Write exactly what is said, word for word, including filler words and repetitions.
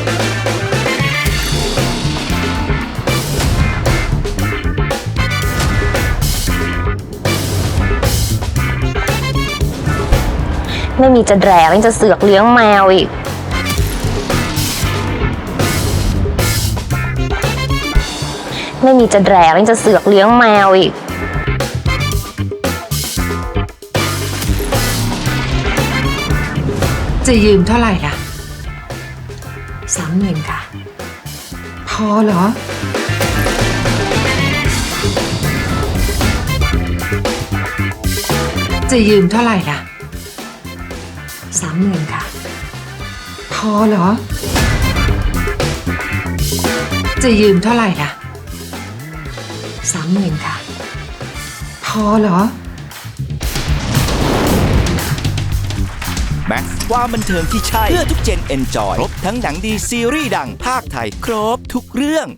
ไม่มีจะแดกยังจะเสือกเลี้ยงแมวอีกไม่มีจะแดกยังจะเสือกเลี้ยงแมวอีกจะยืมเท่าไหร่ล่ะสามหมื่นค่ะพอเหรอจะยืมเท่าไหร่ล่ะสามหมื่นค่ะพอเหรอจะยืมเท่าไหร่ล่ะสามหมื่นค่ะพอเหรอแม็กซ์ความบันเทิงที่ใช่เพื่อทุกเจนเอนจอยครบทั้งหนังดีซีรีส์ดังภาคไทยครบทุกเรื่อง